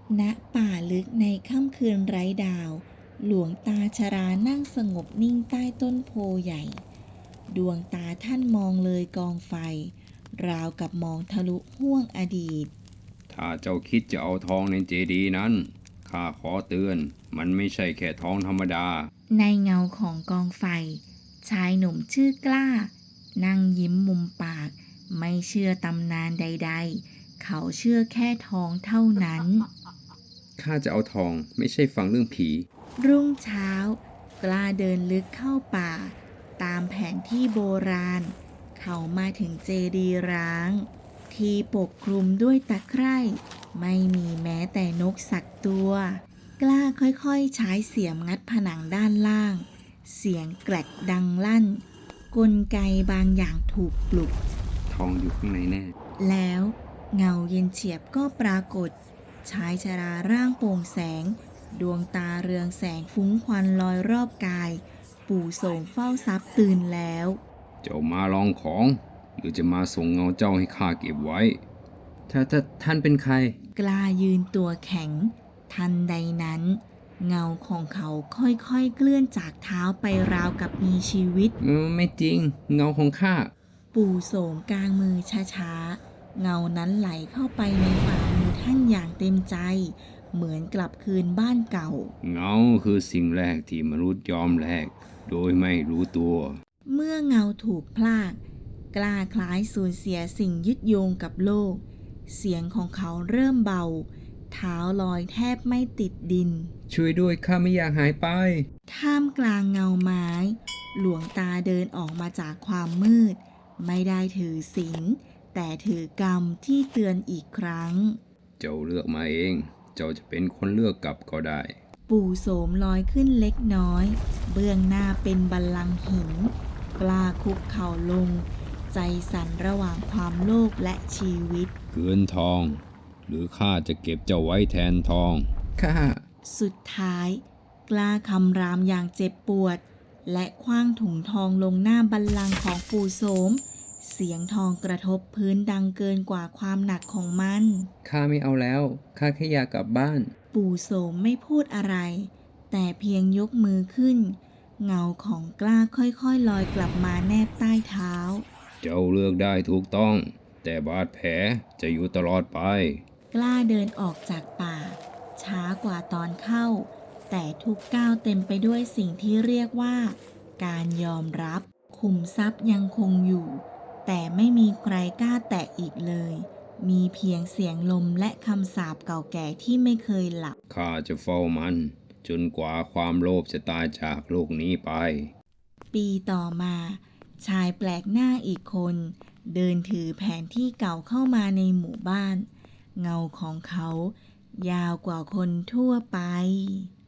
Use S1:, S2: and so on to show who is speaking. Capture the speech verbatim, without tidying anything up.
S1: ณป่าลึกในค่ำคืนไร้ดาวหลวงตาชรานั่งสงบนิ่งใต้ต้นโพใหญ่ดวงตาท่านมองเลยกองไฟราวกับมองทะลุห้วงอดีต
S2: ถ้าเจ้าคิดจะเอาทองในเจดีย์นั้นข้าขอเตือนมันไม่ใช่แค่ทองธรรมดา
S1: ในเงาของกองไฟชายหนุ่มชื่อกล้านั่งยิ้มมุมปากไม่เชื่อตำนานใดๆเขาเชื่อแค่ทองเท่านั้น
S2: ข้าจะเอาทองไม่ใช่ฟังเรื่องผี
S1: รุ่งเช้ากล้าเดินลึกเข้าป่าตามแผนที่โบราณเขามาถึงเจดีย์ร้างที่ปกคลุมด้วยตะไคร่ไม่มีแม้แต่นกสักตัวกล้าค่อยๆใช้เสียมงัดผนังด้านล่างเสียงแกรกดังลั่นกลไกบางอย่างถูกปลุก
S2: ทองอยู่ข้างในแน่
S1: แล้วเงาเย็นเฉียบก็ปรากฏชายชราร่างโปร่งแสงดวงตาเรืองแสงฟุ้งควันลอยรอบกายปู่โสมเฝ้าทรัพย์ตื่นแล้ว
S2: เจ้ามาลองของหรือจะมาส่งเงาเจ้าให้ข้าเก็บไว้ถ้าถ้าท่านเป็นใคร
S1: กล้ายืนตัวแข็งทันใดนั้นเงาของเขาค่อยๆเคลื่อนจากเท้าไปราวกับมีชีวิต
S2: เออไม่จริงเงาของข้า
S1: ปู่โสมกางมือช้าๆเงานั้นไหลเข้าไปในฝ่ามือท่านอย่างเต็มใจเหมือนกลับคืนบ้านเก่า
S2: เงาคือสิ่งแรกที่มนุษย์ยอมแลกโดยไม่รู้ตัว
S1: เมื่อเงาถูกพลากกล้าคล้ายสูญเสียสิ่งยึดโยงกับโลกเสียงของเขาเริ่มเบาเท้าลอยแทบไม่ติดดิน
S2: ช่วยด้วยข้าไม่อยากหายไป
S1: ท่ามกลางเงาไม้หลวงตาเดินออกมาจากความมืดไม่ได้ถือศีลแต่ถือกรรมที่เตือนอีกครั้ง
S2: เจ้าเลือกมาเองเจ้าจะเป็นคนเลือกกลับก็ได้
S1: ปู่โสมลอยขึ้นเล็กน้อยเบื้องหน้าเป็นบัลลังก์หินกล้าคุกเข่าลงใจสั่นระหว่างความโลภและชีวิต
S2: คืนทองหรือข้าจะเก็บเจ้าไว้แทนทองข้า
S1: สุดท้ายกล้าคำรามอย่างเจ็บปวดและคว้างถุงทองลงหน้าบัลลังก์ของปู่โสมเสียงทองกระทบพื้นดังเกินกว่าความหนักของมัน
S2: ข้าไม่เอาแล้วข้าแค่อยากกลับบ้าน
S1: ปู่โสมไม่พูดอะไรแต่เพียงยกมือขึ้นเงาของกล้าค่อยๆลอยกลับมาแนบใต้เท้า
S2: เจ้าเลือกได้ถูกต้องแต่บาดแผลจะอยู่ตลอดไป
S1: กล้าเดินออกจากป่าช้ากว่าตอนเข้าแต่ทุกก้าวเต็มไปด้วยสิ่งที่เรียกว่าการยอมรับขุมทรัพย์ยังคงอยู่แต่ไม่มีใครกล้าแตะอีกเลยมีเพียงเสียงลมและคำสาปเก่าแก่ที่ไม่เคยหลับ
S2: ข้าจะเฝ้ามันจนกว่าความโลภจะตายจากโลกนี้ไป
S1: ปีต่อมาชายแปลกหน้าอีกคนเดินถือแผนที่เก่าเข้ามาในหมู่บ้านเงาของเขายาวกว่าคนทั่วไป